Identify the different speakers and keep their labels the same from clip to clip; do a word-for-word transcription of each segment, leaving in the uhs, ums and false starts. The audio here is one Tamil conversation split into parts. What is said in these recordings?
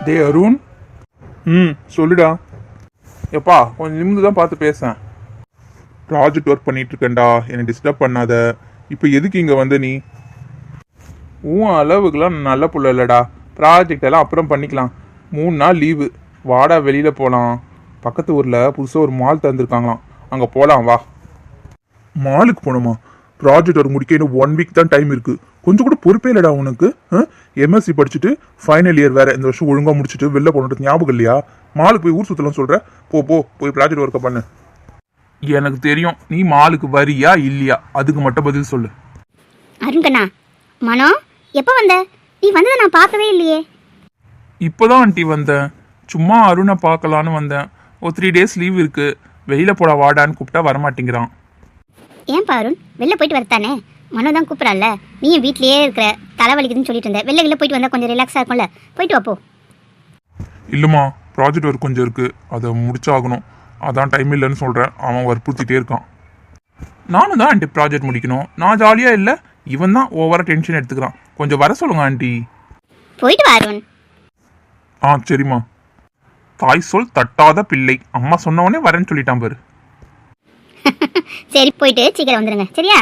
Speaker 1: டே அருண். ம் சொல்லுடா. எப்பா கொஞ்சம் நிமிந்து தான் பார்த்து பேசேன். ப்ராஜெக்ட் ஒர்க் பண்ணிட்டு இருக்கேன்டா, என்னை டிஸ்டர்ப் பண்ணாத. இப்போ எதுக்கு இங்கே வந்த நீ? உன் அளவுக்குலாம் நல்ல புள்ள இல்லைடா. ப்ராஜெக்ட் எல்லாம் அப்புறம் பண்ணிக்கலாம். மூணு நாள் லீவு, வாடா வெளியில் போகலாம். பக்கத்து ஊரில் புதுசாக ஒரு மால் திறந்துருக்காங்களாம், அங்கே போகலாம் வா. மாலுக்கு போகணுமா? ப்ராஜெக்ட் ஒர்க் முடிக்க இன்னும் ஒன் வீக் தான் டைம் இருக்குது. கொஞ்சம் கூட பொறுப்பே இல்லைடா உனக்கு. எம்எஸ்சி படிச்சுட்டு ஃபைனல் இயர் வேறு, இந்த வருஷம் ஒழுங்காக முடிச்சுட்டு வெளில போகணுன்றது ஞாபகம் இல்லையா? மாலுக்கு போய் ஊர் சுற்றலாம் சொல்கிற? போ போ போய் ப்ராஜெக்ட் ஒர்க்கை பண்ணு. எனக்கு தெரியும் நீ மாலுக்கு வரியா இல்லையா, அதுக்கு மட்டும் பதில் சொல்லு.
Speaker 2: அருண்கண்ணா, மனோ எப்போ வந்த? நீ வந்ததை நான் பார்க்கவே இல்லையே.
Speaker 1: இப்போதான் ஆண்டி வந்தேன். சும்மா அருணை பார்க்கலான்னு வந்தேன். ஒரு த்ரீ டேஸ் லீவ் இருக்குது, வெளியில் போட வாடான்னு கூப்பிட்டா வரமாட்டேங்கிறான்.
Speaker 2: ஏன்பா அருண், வெளில போயிட்டு வரத்தானே? மனோ தான் கூப்பிட்றான்ல. நீயும் வீட்லேயே இருக்கிற, தலைவலிக்குதுன்னு சொல்லிட்டு இருந்தேன். வெளில வெளில போயிட்டு வந்தால் கொஞ்சம் ரிலாக்ஸாக இருக்கும்ல, போயிட்டு வாப்போ.
Speaker 1: இல்லைம்மா, ப்ராஜெக்ட் ஒர்க் கொஞ்சம் இருக்குது, அதை முடிச்சாகணும். அதான் டைம் இல்லைன்னு சொல்கிறேன். அவன் வற்புறுத்திட்டே இருக்கான். நானும் தான் ஆண்டி ப்ராஜெக்ட் முடிக்கணும். நான் ஜாலியாக இல்லை, இவன் தான் ஓவராக டென்ஷன் எடுத்துக்கிறான். கொஞ்சம் வர சொல்லுங்க ஆண்டி.
Speaker 2: போயிட்டு வா அருண்.
Speaker 1: ஆ சரிம்மா. தாய் சொல் தட்டாத பிள்ளை, அம்மா சொன்னவொடனே வரேன்னு சொல்லிட்டான் பாரு.
Speaker 2: சரி, போயிட்டு சீக்கிரம் வந்துடுங்க சரியா?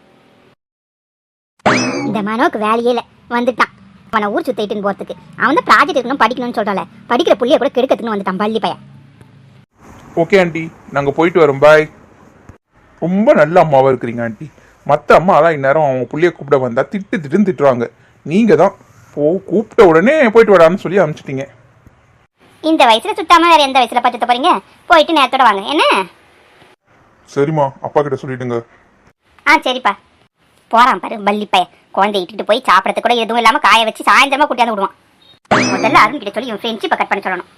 Speaker 2: இந்த மனோக்கு வேலையே இல்லை, வந்துட்டான். அவனை ஊர் சுத்திட்டுன்னு போகிறதுக்கு. அவன் தான் ப்ராஜெக்ட் இருக்கணும் படிக்கணும்னு சொல்கிறாள். படிக்கிற புள்ளியை கூட கெடுக்கிறதுக்குன்னு வந்துட்டான் பள்ளி பையன்.
Speaker 1: ஓகே ஆண்டி, நாங்கள் போயிட்டு வரோம், பாய். ரொம்ப நல்ல அம்மாவாக இருக்கிறீங்க ஆண்டி. மற்ற அம்மா தான் இந்நேரம் அவங்க புள்ளியை கூப்பிட வந்தால் திட்டு திட்டுன்னு திட்டுவாங்க. நீங்கள் தான் போ கூப்பிட்ட உடனே போயிட்டு வரான்னு சொல்லி அனுப்பிச்சிட்டிங்க.
Speaker 2: இந்த வயசில் சுத்தாமல் வேறு எந்த வயசில் பச்சத்த போகிறீங்க? போயிட்டு நேரத்தோட வாங்க என்ன?
Speaker 1: சரிம்மா, அப்பா கிட்ட சொல்லிடுங்க.
Speaker 2: ஆ சரிப்பா. போகிறான் பாரு பள்ளி பையன். குழந்தை இட்டுட்டு போய் சாப்பிட்றது கூட எதுவும் இல்லாமல் காய வச்சு சாயந்தரமாக கூட்டியாந்து விடுவான். முதல்ல அருண் கிட்ட சொல்லி இவன் ஃப்ரெண்ட்ஷிப்பை கட் பண்ண சொல்லணும்.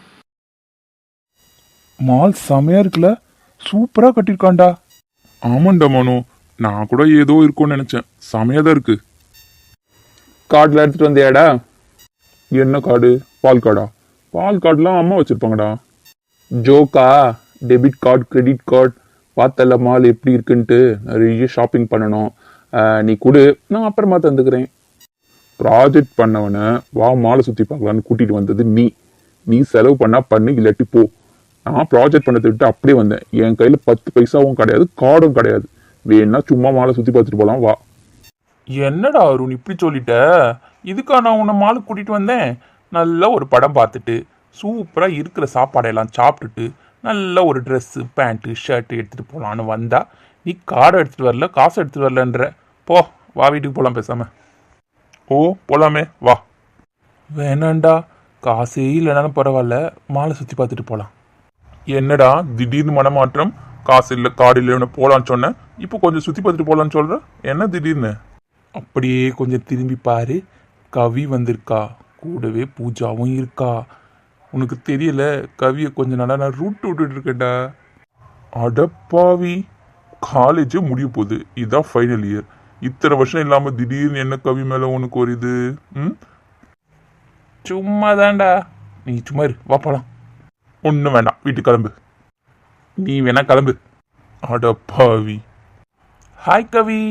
Speaker 1: மால் செமையா இருக்குல்ல, சூப்பரா கட்டியிருக்காண்டா. ஆமாண்டா மனு, நான் கூட ஏதோ இருக்கும்னு நினைச்சேன். செமையா தான் இருக்கு. கார்டில் எடுத்துட்டு வந்தியாடா? என்ன கார்டு? பால் கார்டா? பால் கார்டுலாம் அம்மா வச்சிருப்பாங்கடா. ஜோக்கா? Debit card, credit card. பார்த்தல மால் எப்படி இருக்குன்ட்டு. நிறைய ஷாப்பிங் பண்ணணும். நீ கொடு, நான் அப்புறமா தந்துக்கிறேன். ப்ராஜெக்ட் பண்ணவனை வா மாலை சுற்றி பார்க்கலான்னு கூட்டிகிட்டு வந்தது நீ. நீ செலவு பண்ணா பண்ணு, இல்லாட்டி போ. நான் ப்ராஜெக்ட் பண்ணதை விட்டு அப்படியே வந்தேன். என் கையில் பத்து பைசாவும் கிடையாது, கார்டும் கிடையாது. வேணா சும்மா மாலை சுற்றி பார்த்துட்டு போகலாம் வா. என்னடா அருண் இப்படி சொல்லிட்ட? இதுக்கா நான் உன்னை மாலை கூட்டிகிட்டு வந்தேன்? நல்ல ஒரு படம் பார்த்துட்டு சூப்பராக இருக்கிற சாப்பாடையெல்லாம் சாப்பிட்டுட்டு நல்ல ஒரு ட்ரெஸ்ஸு, பேண்ட்டு, ஷர்ட்டு எடுத்துகிட்டு போகலான்னு வந்தா நீ கார்டை எடுத்துகிட்டு வரல, காசு எடுத்துகிட்டு வரலன்ற. போ வா, வீட்டுக்கு போகலாம் பேசாமல். ஓ போகலாமே வா. வேணாண்டா, காசே இல்லைனாலும் பரவாயில்ல, மாலை சுற்றி பார்த்துட்டு போகலாம். என்னடா திடீர்னு மனமாற்றம்? காசு இல்லை கார்டு இல்லைன்னு போகலான்னு சொன்னேன், இப்போ கொஞ்சம் சுற்றி பார்த்துட்டு போகலான்னு சொல்கிற. என்ன திடீர்னு? அப்படியே கொஞ்சம் திரும்பி பாரு, கவி வந்திருக்கா, கூடவே பூஜாவும் இருக்கா. உனக்கு தெரியல, கவியை கொஞ்சம் நாளாக நான் ரூட் விட்டுட்டு இருக்கேன்டா. அடப்பாவி, காலேஜே முடிய போகுது, இதுதான் ஃபைனல் இயர். இத்தனை வருஷம் இல்லாமல் திடீர்னு என்ன கவி மேலே உனக்கு ஒரு இது? ம் சும்மா தான்டா, நீ சும்மா இரு, வா போகலாம். ஒன்றும் வேண்டாம், வீட்டுக்கு கிளம்பு. நீ வேணா கிளம்பு. அடப்பாவி. ஹாய் கவி.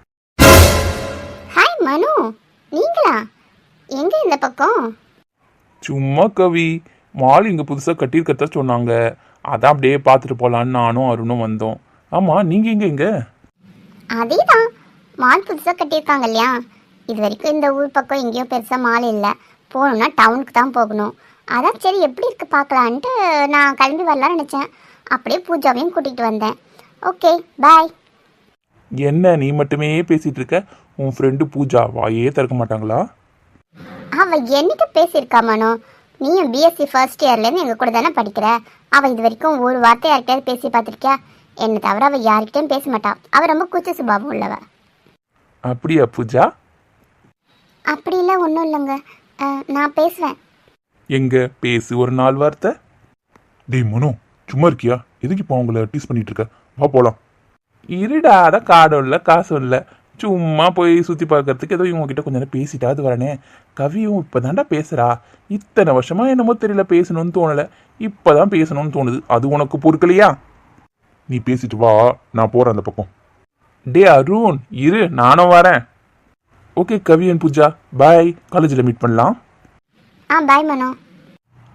Speaker 2: ஹாய் மனு, நீங்களா? எங்க இந்த பக்கம்?
Speaker 1: சும்மா கவி, மால் இங்கே புதுசாக கட்டியிருக்கதா சொன்னாங்க, அதான் அப்படியே பார்த்துட்டு போகலான்னு நானும் அருணும் வந்தோம். ஆமாம், நீங்கள் எங்கே இங்கே?
Speaker 2: அதே தான், மால் புதுசாக கட்டியிருக்காங்க இல்லையா? இது வரைக்கும் இந்த ஊர் பக்கம் எங்கேயும் பெருசாக மால் இல்லை. போகணுன்னா டவுனுக்கு தான் போகணும். அதான் சரி எப்படி இருக்குது பார்க்கலான்ட்டு நான் கிளம்பி வரலான்னு நினச்சேன். அப்படியே பூஜாவையும் கூட்டிகிட்டு வந்தேன். Okay bye.
Speaker 1: என்ன நீ மட்டுமே பேசிகிட்டு இருக்க? உன் ஃப்ரெண்டு பூஜா வாயே திறக்க மாட்டாங்களா?
Speaker 2: அவள் என்னைக்கு பேசியிருக்கா மனோ? நீயும் பிஎஸ்சி ஃபர்ஸ்ட் இயர்லேருந்து எங்கள் கூட தானே படிக்கிற. அவள் இது வரைக்கும் ஒரு வார்த்தை யார்கிட்டயாவது பேசி பார்த்துருக்கியா? என்னை தவிர அவள் யார்கிட்டையும் பேச மாட்டாள். அவள் ரொம்ப கூச்ச சுபாவம் உள்ளவ.
Speaker 1: அப்படியா பூஜா?
Speaker 2: அப்படிலாம் ஒன்றும் இல்லைங்க, நான் பேசுவேன்.
Speaker 1: எங்க பேசு ஒரு நாலு வார்த்தை. டேய் மனோ, சும்மா இருக்கியா? எதுக்கு இப்போ அவங்கள டீஸ் பண்ணிட்டு இருக்க? வா போகலாம். இருடா, அதான் காடும் இல்லை காசும் இல்லை, சும்மா போய் சுற்றி பார்க்கறதுக்கு ஏதோ இவங்க கிட்ட கொஞ்சம் நேரம் பேசிட்டாது வரனே. கவியும் இப்போ தாண்டா பேசுகிறா. இத்தனை வருஷமா என்னமோ தெரியல, பேசணும்னு தோணலை, இப்போ தான் பேசணும்னு தோணுது. அது உனக்கு பொறுக்கலையா? நீ பேசிட்டு வா, நான் போகிறேன் அந்த பக்கம். டே அருண் இரு, நானும் வரேன். Okay Kavi and Pooja, bye. காலேஜில் மீட் பண்ணலாம்.
Speaker 2: ஆ பாய் மனோ.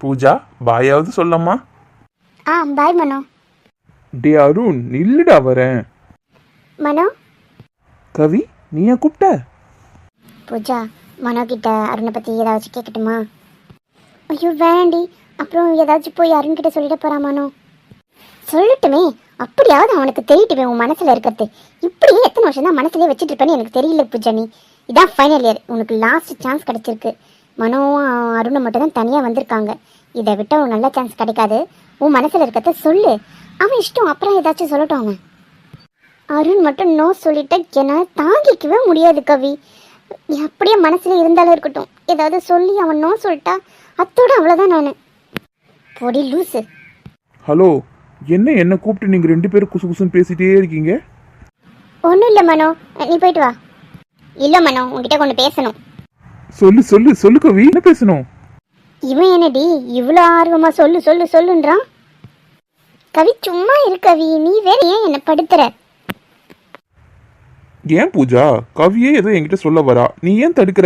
Speaker 1: பூஜா பாயாவது சொல்லம்மா.
Speaker 2: ஆ பாய் மனோ.
Speaker 1: டே அருண் நில்லுடா வரேன்.
Speaker 2: மனோ.
Speaker 1: கவி நீ ஏன் கூப்பிட்ட?
Speaker 2: பூஜா மனோ கிட்ட அருணை பற்றி ஏதாச்சும் கேட்கட்டுமா? ஐயோ வேண்டி, அப்புறம் ஏதாச்சும் போய் அருண் கிட்ட சொல்லிட போகிறான் மனோ. சொல்லட்டுமே, அப்படியாவது அவனுக்கு தெரியட்டுமே உன் மனசில் இருக்கிறது. இப்படியே எத்தனை வருஷம் தான் மனசுலேயே வச்சுட்டு இருப்பேன்னு எனக்கு தெரியல பூஜா. நீ இதான் ஃபைனல் இயர், உனக்கு லாஸ்ட் சான்ஸ் கிடச்சிருக்கு. மனோவும் அருணும் மட்டும் தான் தனியாக வந்திருக்காங்க. இதை விட்ட ஒரு நல்ல சான்ஸ் கிடைக்காது. உன் மனசில் இருக்கிறத சொல்லு, அவன் இஷ்டம், அப்புறம் ஏதாச்சும் சொல்லட்டும். அவன் அருண் மட்டும் நோ சொல்லிட்ட என்னால் தாங்கிக்கவே முடியாது கவி. அப்படியே மனசுல இருந்தாலும் இருக்கட்டும், ஏதாவது சொல்லி அவன் நோ சொல்லிட்டா அத்தோட அவ்வளோதான். நான் பொடி லூசு.
Speaker 1: ஹலோ, என்ன என்ன கூப்பிட்டு நீங்கள் ரெண்டு பேரும் குசு குசுன்னு பேசிட்டே இருக்கீங்க?
Speaker 2: ஒன்றும் இல்லை மனோ, நீ போயிட்டு வா. இல்லை மனோ, உன்கிட்ட கொண்டு பேசணும்.
Speaker 1: சொல்லு சொல்லு சொல்லு கவி, என்ன பேசணும்?
Speaker 2: இவன் என்னடி இவ்வளோ ஆர்வமா சொல்லு சொல்லு சொல்லுன்றான். கவி சும்மா இரு கவி, நீ வேற ஏன் என்ன படுத்துற?
Speaker 1: ஏன் பூஜா, கவியே ஏதோ என்கிட்ட சொல்ல வரா, நீ ஏன் தடுக்கிற?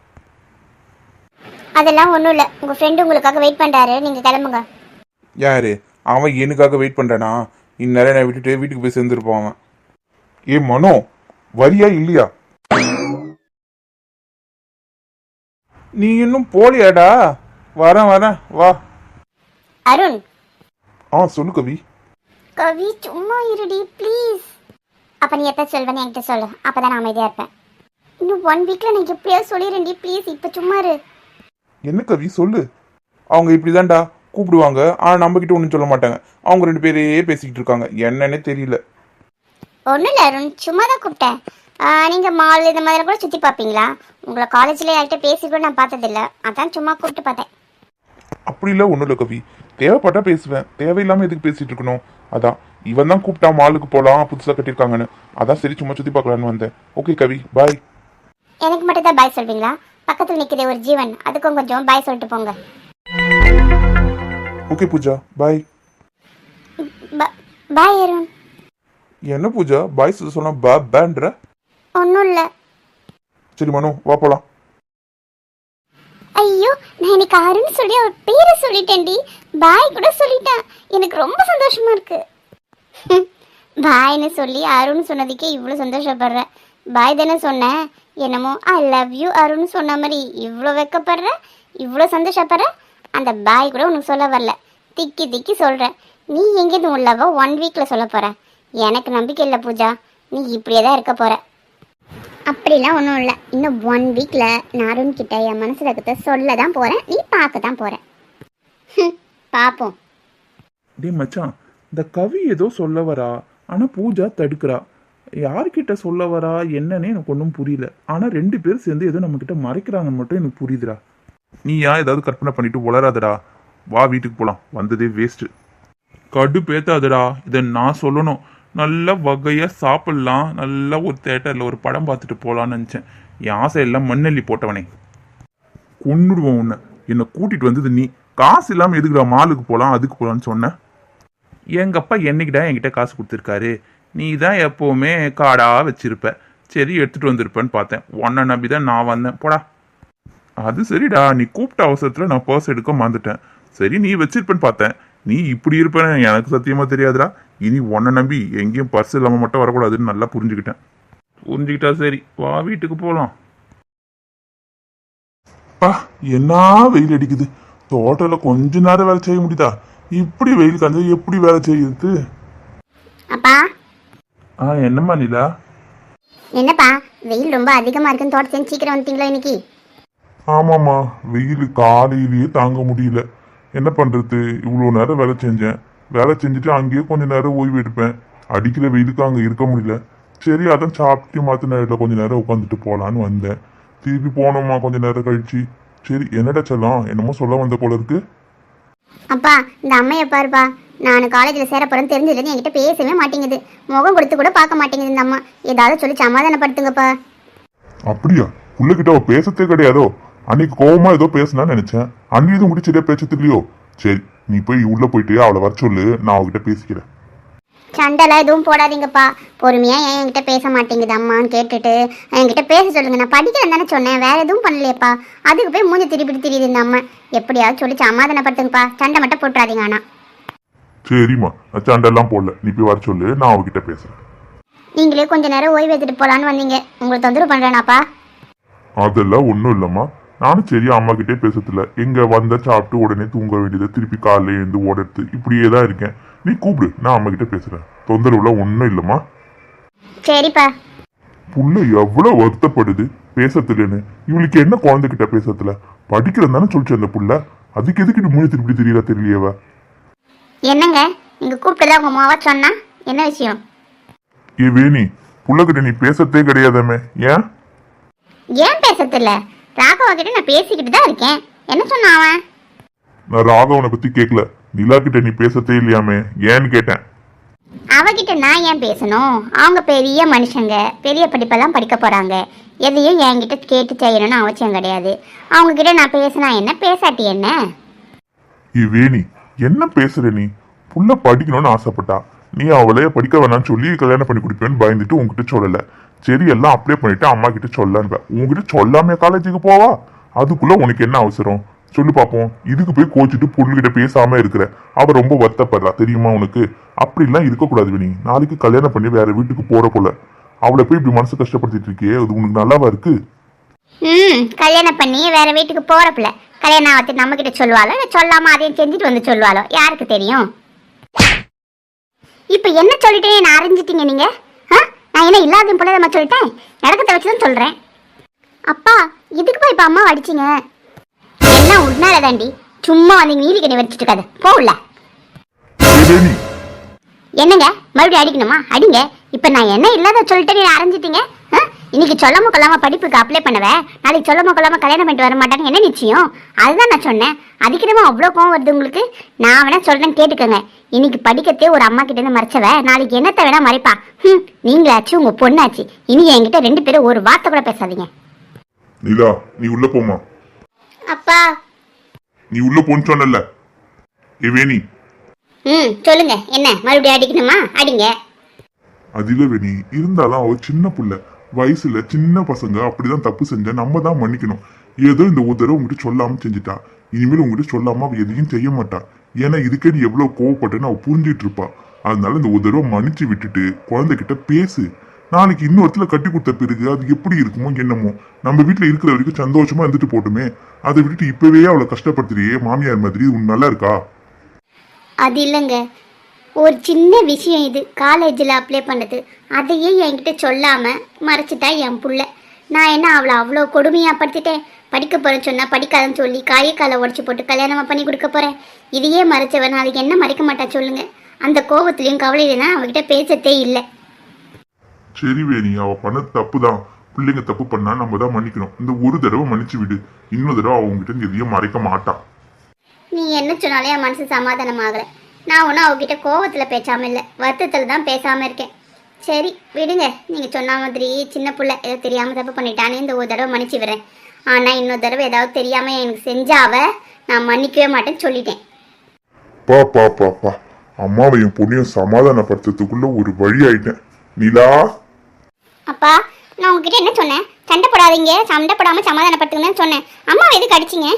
Speaker 2: அதெல்லாம் ஒன்றும் இல்லை, உங்கள் ஃப்ரெண்டு உங்களுக்காக வெயிட் பண்ணுறாரு, நீங்கள் கிளம்புங்க.
Speaker 1: யாரு அவன்? எனக்காக வெயிட் பண்றானா? இந்நேரம் நான் விட்டுட்டு வீட்டுக்கு போய் சேர்ந்துருப்பான் அவன். ஏ மனோ, வரியா இல்லையா? நீ இன்னும் போலியாடா? வரேன் வரேன் வா.
Speaker 2: அருண்.
Speaker 1: ஆ சொல்லு கவி.
Speaker 2: கவி சும்மா இருடி ப்ளீஸ். அப்போ நீ எப்போ சொல்வேன்னு என்கிட்ட சொல்லு, அப்போ தான் நான் அமைதியாக இருப்பேன். இன்னும் ஒன் வீக்கில் நான் எப்படியா சொல்லிடுறேன்டி ப்ளீஸ், இப்போ சும்மா இரு.
Speaker 1: என்ன கவி சொல்லு. அவங்க இப்படிதான்டா கூப்பிடுவாங்க, ஆனால் நம்ம கிட்ட ஒன்றும் சொல்ல மாட்டாங்க. அவங்க ரெண்டு பேரே பேசிக்கிட்டு இருக்காங்க, என்னன்னே தெரியல.
Speaker 2: ஒன்றும் இல்லை அருண், சும்மா தான் கூப்பிட்டேன். நீங்கள் மால் இந்த மாதிரி கூட சுற்றி பார்ப்பீங்களா? உங்களை காலேஜில் யார்கிட்ட பேசி கூட நான் பார்த்ததில்ல, அதான் சும்மா கூப்பிட்டு பார்த்தேன்.
Speaker 1: அப்படி இல்லை, ஒன்றும் இல்லை கவி. தேவைப்பட்டா பேசுவேன், தேவையில்லாமல் எதுக்கு பேசிட்டு இருக்கணும். அதான் இவன் தான் கூப்பிட்டா மாலுக்கு போகலாம் புதுசாக கட்டியிருக்காங்கன்னு, அதான் சரி சும்மா சுற்றி பார்க்கலான்னு வந்தேன். Okay Kavi bye.
Speaker 2: எனக்கு மட்டும் தான் பாய் சொல்வீங்களா? பக்கத்தில் நிற்கிற ஒரு ஜீவன், அதுக்கும் கொஞ்சம் பாய் சொல்லிட்டு போங்க.
Speaker 1: Okay Pooja bye.
Speaker 2: Bye Arun.
Speaker 1: என்ன பூஜா பாய் சொன்னா பா பேன்ற?
Speaker 2: ஒன்றும் இல்லை.
Speaker 1: சரி மனோ வா போலாம்.
Speaker 2: ஐயோ, நான் இன்னைக்கு அருண் சொல்லி அவர் பேரை சொல்லிட்டேன்டி, பாய் கூட சொல்லிட்டேன். எனக்கு ரொம்ப சந்தோஷமா இருக்கு. பாய்னு சொல்லி அருண் சொன்னதுக்கே இவ்வளோ சந்தோஷப்படுறேன். பாய் தானே சொன்னேன், என்னமோ ஐ லவ் யூ அருண் சொன்ன மாதிரி இவ்வளோ வெக்கப்படுற, இவ்வளோ சந்தோஷப்படுற. அந்த பாய் கூட உனக்கு சொல்ல வரல, திக்கி திக்கி சொல்கிறேன். நீ எங்கேருந்து உள்ளவோ ஒன் வீக்கில் சொல்ல போகிற. எனக்கு நம்பிக்கை இல்லை பூஜா, நீ இப்படியே தான் இருக்க போகிற. அப்படிலாம் ஒன்றும் இல்லை, இன்னும் ஒன் வீக்கில் நான் அருண் கிட்ட என் மனசில் இருக்கிறத சொல்ல தான் போகிறேன், நீ பார்க்க தான் போகிறேன். பார்ப்போம்.
Speaker 1: டே மச்சான், இந்த கவி ஏதோ சொல்ல வரா, ஆனால் பூஜா தடுக்கிறா. யார்கிட்ட சொல்ல வரா என்னன்னே எனக்கு ஒன்றும் புரியல. ஆனால் ரெண்டு பேரும் சேர்ந்து ஏதோ நம்மக்கிட்ட மறைக்கிறாங்கன்னு மட்டும் எனக்கு புரியுதுடா. நீ ஏன் ஏதாவது கற்பனை பண்ணிட்டு உளராதடா, வா வீட்டுக்கு போகலாம், வந்ததே வேஸ்ட்டு. கடு பேத்தாதடா, இதை நான் சொல்லணும். நல்ல வகையாக சாப்பிட்லாம், நல்லா ஒரு தேட்டரில் ஒரு படம் பார்த்துட்டு போகலான்னு நினச்சேன். என் ஆசை எல்லாம் மண்ணெல்லி போட்டவனே, கொன்னுடுவோம் உன்னை. என்னை கூட்டிகிட்டு வந்தது நீ. காசு இல்லாமல் எதுக்குடா மாலுக்கு போகலாம் அதுக்கு போகலான்னு சொன்னேன். எங்கள் அப்பா என்னைக்கிட்டா என்கிட்ட காசு கொடுத்துருக்காரு. நீ தான் எப்போவுமே காடாக வச்சிருப்ப, சரி எடுத்துகிட்டு வந்திருப்பேன்னு பார்த்தேன். உன்னை நம்பி தான் நான் வந்தேன், போடா. அது சரிடா, நீ கூப்பிட்ட அவசரத்தில் நான் பர்ஸ் எடுக்க மறந்துட்டேன். சரி நீ வச்சிருப்பேன்னு பார்த்தேன். நீ இப்படி இருப்பேன்னு எனக்கு சத்தியமாக தெரியாதுடா. இனி உன்னை நம்பி எங்கேயும் பர்ஸ் இல்லாமல் மட்டும் வரக்கூடாதுன்னு நல்லா புரிஞ்சுக்கிட்டேன். புரிஞ்சுக்கிட்டா சரி, வா வீட்டுக்கு போகலாம். பா என்ன வெயில் அடிக்குது, தோட்டத்தில் கொஞ்ச நேரம் வேலை செய்ய முடியுதா? இப்படி வெயில் காஞ்சா எப்படி வேலை செய்யுது?
Speaker 2: அப்பா.
Speaker 1: ஆ என்னம்மா நிலா?
Speaker 2: என்னப்பா வெயில் ரொம்ப அதிகமாக இருக்குன்னு தோட்டத்தை சீக்கிரம் வந்துட்டீங்களா இன்னைக்கு?
Speaker 1: ஆமாம்மா, வெயில் காலையிலேயே தாங்க முடியல. என்ன பண்ணுறது, இவ்வளோ நேரம் வேலை செஞ்சேன். வேலை செஞ்சுட்டு அங்கேயே கொஞ்சம் நேரம் ஓய்வு எடுப்பேன். அடிக்கிற வெயிலுக்கு அங்கே இருக்க முடியல. சரி அதான் சாப்பிட்டு மாற்ற நேரத்தில் கொஞ்சம் நேரம் உட்காந்துட்டு போகலான்னு வந்தேன். திருப்பி போனோம்மா கொஞ்சம் நேரம் கழிச்சு. சரி என்னடா செல்லம், என்னமோ சொல்ல வந்த போல இருக்கு.
Speaker 2: அப்பா இந்த அம்மையை பாருப்பா, நான் காலேஜில் சேர போகிறேன்னு தெரிஞ்சதுலேருந்து என்கிட்ட பேசவே மாட்டேங்குது, முகம் கொடுத்து கூட பார்க்க மாட்டேங்குது இந்த அம்மா. ஏதாவது சொல்லி சமாதானப்படுத்துங்கப்பா.
Speaker 1: அப்படியா? பிள்ளைகிட்ட அவ பேசத்தே கிடையாதோ? அன்னைக்கு கோவமா ஏதோ பேசினான்னு நினைச்சேன். அன்னைக்கு இது முடிச்சதே பேசத்து இல்லையோ? சரி நீ போய் உள்ள போயிட்டு அவளை வர சொல்லு, நான் அவகிட்ட பேசிக்கிறேன்.
Speaker 2: சண்டைலாம் எதுவும் போடாதீங்கப்பா. பொறுமையாக ஏன் என்கிட்ட பேச மாட்டேங்குது அம்மான்னு கேட்டுட்டு என்கிட்ட பேச சொல்லுங்க. நான் படிக்கிறேன் தானே சொன்னேன், வேற எதுவும் பண்ணலையேப்பா. அதுக்கு போய் மூஞ்சி திருப்பி தெரியுது இந்த அம்மா. எப்படியாவது சொல்லி சமாதானப்படுத்துங்கப்பா, சண்டை மட்டும் போட்டுறாதீங்க. ஆனால்
Speaker 3: சரிம்மா, நான் சண்டெல்லாம் போடல. நீ போய் வர சொல்லு, நான் அவகிட்ட பேசுறேன்.
Speaker 2: நீங்களே கொஞ்ச நேரம் ஓய்வு எடுத்துட்டு போகலான்னு வந்தீங்க. உங்களை தொந்தரவு பண்ணுறேனாப்பா?
Speaker 3: அதெல்லாம் ஒன்றும் இல்லைம்மா. நானும் சரியா அம்மா கிட்டே பேசத்துல. எங்க வந்த சாப்பிட்டு உடனே தூங்க வேண்டியது, திருப்பி காலையில எழுந்து ஓடுறது, இப்படியே தான் இருக்கேன். நீ கூப்பிடு, நான் அம்மா கிட்ட பேசுறேன். தொந்தரவுலாம் ஒன்றும் இல்லைம்மா.
Speaker 2: சரிப்பா.
Speaker 3: புள்ள எவ்வளவு வருத்தப்படுது பேசத்துலன்னு. இவளுக்கு என்ன குழந்தைகிட்ட பேசத்துல? படிக்கிறது தானே சொல்லிச்சு அந்த புள்ள. அதுக்கு எதுக்கு இப்படி மூணு திருப்பி தெரியல தெரியலையவ?
Speaker 2: என்னங்க நீங்க கூப்பிட்டதா உங்க மாவா சொன்னா என்ன விஷயம்?
Speaker 3: ஏ வேணி, புள்ளகிட்ட நீ பேசத்தே கிடையாதாமே, ஏன்?
Speaker 2: ஏன் பேசத்தில்ல? ராகவ கிட்ட நான் பேசிக்கிட்டு தான் இருக்கேன். என்ன சொன்னான் அவன்?
Speaker 3: நான் ராகவனை பத்தி கேட்கல, நிலா கிட்ட நீ பேசத்தே இல்லையாமே, ஏன்னு கேட்டேன்.
Speaker 2: அவகிட்ட நான் ஏன் பேசணும்? அவங்க பெரிய மனுஷங்க, பெரிய படிப்பெல்லாம் படிக்க போறாங்க. எதையும் என்கிட்ட கேட்டு செய்யணும்னு அவசியம் கிடையாது. அவங்க கிட்ட நான் பேசினா என்ன, பேசாட்டி என்ன?
Speaker 3: ஏ வேணி, என்ன பேசுற நீ? புள்ள படிக்கணும்னு ஆசைப்பட்டா, நீ அவளைய படிக்க வேணாம்னு சொல்லி கல்யாணம் பண்ணி கொடுப்பேன்னு பயந்துட்டு உங்ககிட்ட சொல்லல. சரி, எல்லாம் அப்ளை பண்ணிட்டு அம்மா கிட்ட சொல்லலான்னு. உங்ககிட்ட சொல்லாமே காலேஜுக்கு போவா? அதுக்குள்ள உனக்கு என்ன அவசரம் சொல்லு பாப்போம். இதுக்கு போய் கோச்சிட்டு பொண்ணுகிட்ட பேசாம இருக்கிற. அவ ரொம்ப வருத்தப்படுறா தெரியுமா உனக்கு? அப்படிலாம் இருக்கக்கூடாது வேணி. நாளைக்கு கல்யாணம் பண்ணி வேற வீட்டுக்கு போற போல. அவளை போய் இப்படி மனசு கஷ்டப்படுத்திட்டு இருக்கியே, அது உனக்கு நல்லாவா இருக்கு?
Speaker 2: ம் கல்யாணம் பண்ணி வேற வீட்டுக்கு போறப்பில்ல. கல்யாணம் ஆகத்து நம்ம கிட்ட சொல்லுவாளோ, இல்லை சொல்லாம அதையும் செஞ்சுட்டு வந்து சொல்லுவாளோ, யாருக்கு தெரியும்? இப்ப என்ன சொல்லிட்டேன் நான் அறிஞ்சிட்டீங்க நீங்க? நான் என்ன இல்லாத போல நம்ம சொல்லிட்டேன்? நடக்கத்தை வச்சுதான் சொல்றேன். அப்பா இதுக்குப்பா இப்ப அம்மா அடிச்சிங்க? எல்லாம் உன்னால தாண்டி. சும்மா வந்து நீலி கண்ணி வச்சுட்டு இருக்காது, போகல. என்னங்க மறுபடியும் அடிக்கணுமா? அடிங்க. இப்ப நான் என்ன இல்லாத சொல்லிட்டு நீ அரைஞ்சிட்டீங்க. இன்னைக்கு சொல்லாம கொள்ளாம படிப்புக்கு அப்ளை பண்ணுவேன், நாளைக்கு சொல்லாம கொள்ளாம கல்யாணம் பண்ணிட்டு வர மாட்டாங்க, என்ன நிச்சயம்? அதுதான் நான் சொன்னேன். அதுக்கிடமா அவ்வளோ கோவம் வருது உங்களுக்கு? நான் வேணா சொல்றேன் கேட்டுக்கோங்க. இன்னைக்கு படிக்கத்தே ஒரு அம்மா கிட்ட இருந்து மறைச்சவ நாளைக்கு என்னத்தை வேணா மறைப்பா. ம் நீங்களாச்சு உங்க பொண்ணாச்சு. இனி என்கிட்ட ரெண்டு பேரும் ஒரு வார்த்தை கூட பேசாதீங்க.
Speaker 3: நிலா, நீ உள்ள போமா.
Speaker 2: அப்பா
Speaker 3: நீ உள்ள போன்னு சொன்னல. ஏ வேணி.
Speaker 2: ம் சொல்லுங்க, என்ன மறுபடியும் அடிக்கணுமா? அடிங்க.
Speaker 3: அதில வேணி, இருந்தாலும் அவ சின்ன புள்ள, வயசுல சின்ன பசங்க அப்படிதான் தப்பு செஞ்சா நம்ம தான் மன்னிக்கணும். ஏதோ இந்த ஒரு தடவை உங்ககிட்ட சொல்லாம செஞ்சுட்டா. இனிமேல் உங்ககிட்ட சொல்லாம அவ எதையும் செய்ய மாட்டா. ஏன்னா இதுக்கே நீ எவ்வளவு கோவப்பட்டேன்னு அவ புரிஞ்சிட்டு இருப்பா. அதனால இந்த ஒரு தடவை மன்னிச்சு விட்டுட்டு குழந்தைகிட்ட பேசு. நாளைக்கு இன்னொருத்துல கட்டி கொடுத்த பிறகு அது எப்படி இருக்குமோ என்னமோ. நம்ம வீட்டுல இருக்கிற வரைக்கும் சந்தோஷமா இருந்துட்டு போட்டுமே. அதை விட்டுட்டு இப்பவே அவளை கஷ்டப்படுத்துறியே மாமியார் மாதிரி, உன் நல்லா இருக்கா?
Speaker 2: அது இல்லைங்க, ஒரு சின்ன விஷயம் இது. காலேஜில் அப்ளை பண்ணது, அதையே என்கிட்ட சொல்லாமல் மறைச்சிட்டா என் புள்ள. நான் என்ன அவளை அவ்வளோ கொடுமையாக படுத்திட்டேன்? படிக்க போகிறேன்னு சொன்னால் படிக்காதன்னு சொல்லி காயை காலை உடச்சி போட்டு கல்யாணமாக பண்ணி கொடுக்க போகிறேன். இதையே மறைச்சவன் நாளைக்கு என்ன மறைக்க மாட்டா சொல்லுங்க? அந்த கோபத்துலேயும் கவலையில தான் அவகிட்ட பேசத்தே இல்லை.
Speaker 3: சரி வேணி, அவ பண்ணது தப்பு தான். பிள்ளைங்க தப்பு பண்ணா நம்ம தான் மன்னிக்கணும். இந்த ஒரு தடவை மன்னிச்சு விடு. இன்னொரு தடவை அவங்ககிட்ட எதையும் மறைக்க மாட்டான்.
Speaker 2: நீ என்ன சொன்னாலே என் மனசு சமாதானம் ஆகலை. நான் ஒன்றும் அவகிட்ட கோவத்தில் பேசாமல் இல்லை, வருத்தத்தில் தான் பேசாமல் இருக்கேன். சரி விடுங்க. நீங்கள் சொன்ன மாதிரி சின்ன பிள்ளை ஏதோ தெரியாமல் தப்பு பண்ணிட்டானே, இந்த ஒரு தடவை மன்னிச்சு விடுறேன். ஆனால் இன்னொரு தடவை ஏதாவது தெரியாமல் எனக்கு செஞ்சாவ நான் மன்னிக்கவே மாட்டேன்னு சொல்லிட்டேன்.
Speaker 3: பா பா பா பா அம்மாவையும் பொண்ணையும் சமாதானப்படுத்துறதுக்குள்ள ஒரு வழி ஆயிட்டேன். நிலா.
Speaker 2: அப்பா நான் உங்ககிட்ட என்ன சொன்னேன்? சண்டை போடாதீங்க, சண்டை போடாமல் சமாதானப்படுத்துங்கன்னு சொன்னேன். அம்மாவை எதுக்கு அடிச்சிங்க?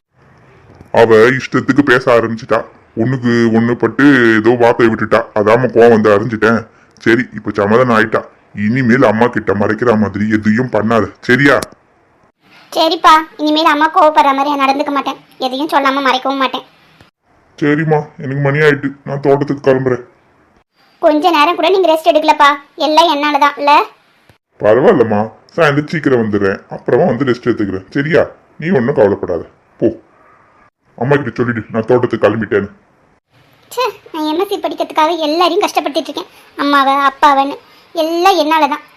Speaker 3: அவ இஷ்டத்துக்கு பேச ஆரம்பிச்சிட்டா. ஒண்ணுக்கு ஒண்ணு பட்டு ஏதோ வார்த்தை விட்டுட்டா. அதாம கோவம் வந்து அறிஞ்சிட்டேன். சரி, இப்ப சமாதானம் ஆயிட்டா. இனிமேல் அம்மா கிட்ட மறைக்கிற மாதிரி எதையும் பண்ணாது, சரியா?
Speaker 2: சரிப்பா, இனிமேல் அம்மா கோவப்படுற மாதிரி நடந்துக்க மாட்டேன். எதையும் சொல்லாம மறைக்கவும் மாட்டேன்.
Speaker 3: சரிம்மா, எனக்கு மணி ஆயிட்டு, நான் தோட்டத்துக்கு கிளம்புறேன்.
Speaker 2: கொஞ்ச நேரம் கூட நீங்க ரெஸ்ட் எடுக்கலப்பா. எல்லாம் என்னாலதான் இல்ல?
Speaker 3: பரவாயில்லம்மா, சாயந்தரம் சீக்கிரம் வந்துடுறேன். அப்புறமா வந்து ரெஸ்ட் எடுத்துக்கிறேன், சரியா? நீ ஒன்றும் கவலைப்படாத, போ. அம்மா கிட்ட சொல்லிடு நான் தோட்டத்துக்கு கிளம்பிட்டேன்னு.
Speaker 2: நான் எம்எஸ்சி படிக்கிறதுக்காக எல்லாரையும் கஷ்டப்படுத்திட்டு இருக்கேன். அம்மாவை அப்பாவன்னு எல்லாம் என்னாலதான்.